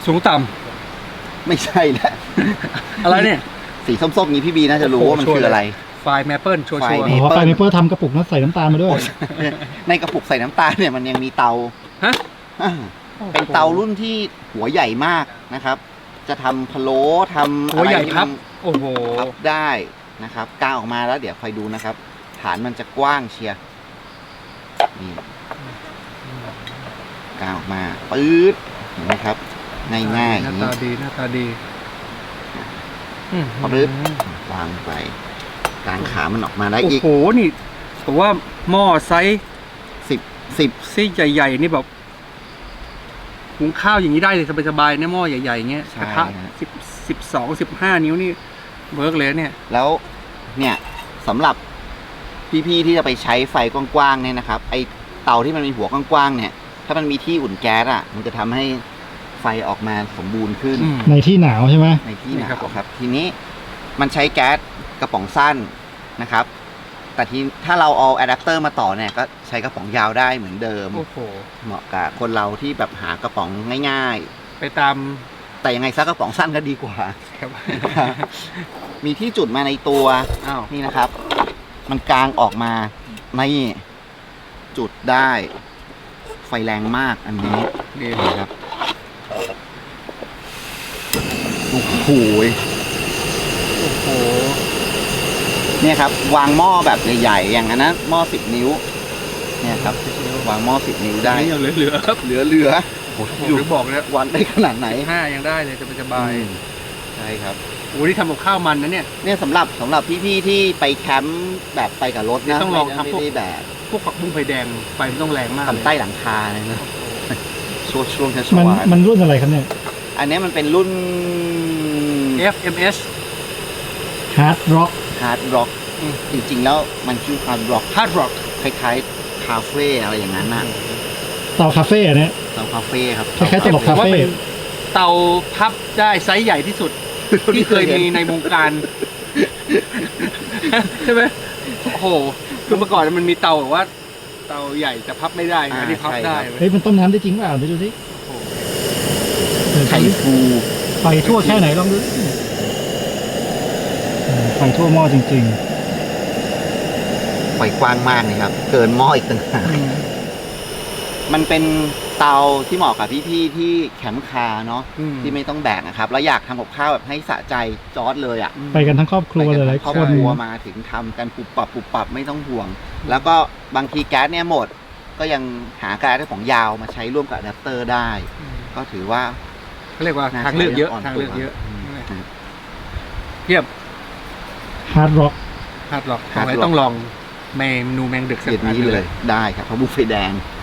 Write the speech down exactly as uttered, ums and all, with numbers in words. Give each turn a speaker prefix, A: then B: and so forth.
A: สูงต่
B: ำไม่ใช่แล้ว
A: อะไรเนี่ย
B: สีส้มๆนี้พี่บีน่าจะรู้ว่ามันคืออะไร
A: ไฟล์แมปเปิลชัวร์ชัวร์
C: อ๋อไฟเมเปิลทำกระปุกนั้นใส่น้ำตาลมาด้วย
B: ในกระปุกใส่น้ำตาลเนี่ยมันยังมีเตา
A: ฮะ
B: เป็นเตารุ่นที่หัวใหญ่มากนะครับ จะทำพะโล้ทำ
A: หัวใหญ่ครับโอ้โห
B: พับได้นะครับกางออกมาแล้วเดี๋ยวคอยดูนะครับฐานมันจะกว้างเชียร์นี่กางออกมาปื๊ดเห็นไหมครับง่ายๆ
A: หน้าตาดีหน้าตาดี
B: ปื๊ดวางไปกางขามันออกมาได้อีก
A: โอ้โหนี่ผมว่าหม้อไซส์
B: สิบสิบ
A: ไซส์ใหญ่ๆนี่แบบหุงข้าวอย่างนี้ได้เลยสบายๆเนี่ยหม้อใหญ่ๆเงี้ยกระทะสิบสิบสองสิบห้านิ้วนี่เวิร์กเลยเนี่ย
B: แล้วเนี่ยสำหรับพี่ๆที่จะไปใช้ไฟกว้างๆเนี่ยนะครับไอเตาที่มันมีหัวกว้างๆเนี่ยถ้ามันมีที่อุ่นแก๊สอ่ะมันจะทำให้ไฟออกมาสมบูรณ์ขึ้น
C: ในที่หนาวใช่ไหม
B: ในที่หนาวครับทีนี้มันใช้แก๊สกระป๋องสั้นนะครับแต่ที่ถ้าเราเอาอะแดปเตอร์มาต่อเนี่ยก็ใช้กระป๋องยาวได้เหมือนเดิมเหมาะกับคนเราที่แบบหากระป๋องง่าย
A: ๆไปตาม
B: แต่ยังไงซักกระป๋องสั้นก็ดีกว่ามีที่จุดมาในตัวนี่นะครับมันกลางออกมาในจุดได้ไฟแรงมากอันนี้
A: ดี
B: ครับโอ้โห
A: โอ้โห
B: เนี่ยครับวางหม้อแบบใหญ่ๆอย่างนั้นหม้อสิบนิ้วเนี่ยครับวางหม้อสิบนิ้วได้
A: ยังเหลือๆครับ
B: เหลือเหลือ
A: โอ้โหหรือบอกเนี่ย
B: วันได้ขนาดไหน
A: ห้ายังได้เลยจะสบาย
B: ใช่ครับ
A: โอ้ที่ทำกับข้าวมันนะเนี่ย
B: เนี่ยสำหรับสำหรับพี่ๆที่ไปแคมป์แบบไปกับรถนะ
A: ต้องลองทำพวก
B: แบบ
A: พวกผักบุ้งไฟแดงไฟมันต้องแรงมาก
B: ทำใต้หลังคาเลยนะช่วงช่วง
C: ชัวร์มันรุ่นอะไรครับเนี่ย
B: อันนี้มันเป็นรุ่น
A: เอฟ เอ็ม เอส
C: Hard Rock
B: Hard Rock จริงๆแล้วมันคือ Hard Rock
A: Hard Rock
B: คล้ายๆคาเฟ่อะไรอย่างนั้นน่ะ
C: เตาคาเฟ่เนี่ย
B: เตาคาเฟ่ครับ
C: คล้ายๆตลกคาเฟ่
A: เตาพับได้ไซส์ใหญ่ที่สุดที่เคยมีในวงการใช่ไหมโอ้โหคือเมื่อก่อนมันมีเตาแบบว่าเตาใหญ่จะพับไม่ได้อันนี้พับได้
C: เฮ้ยมันต้มน้ำได้จริงเปล่าไปดูสิ
B: ไข่ฟู
C: ไฟทั่วแค่ไหนลองดูไฟทั่วหม้อจริง
B: ๆไฟกว้างมากเลยครับเกินหม้ออีกต่างหากมันเป็นเตาที่เหมาะกับพี่ๆที่แคมป์คาร์เนาะที่ไม่ต้องแบกนะครับแล้วอยากทำกับข้าวแบบให้สะใจจอร์จเลยอ่ะ
C: ไปกันทั้งครอบครัวเลย
B: ครอบครัวมาถึงทำกันปุบปับปุบปับไม่ต้องห่วงแล้วก็บางทีแก๊สเนี่ยหมดก็ยังหาแก๊สของยาวมาใช้ร่วมกับอะแดปเตอร์ได้ก็ถือว่า
A: เขาเรียกว่าทางเลือกเยอะทางเลือกเยอะเทียบ
C: Hard Rock
A: Hard Rock ต้องลองเมนูแมงดึกสัก
B: นี้เลยได้ครับเพราะบุฟเฟ่แดง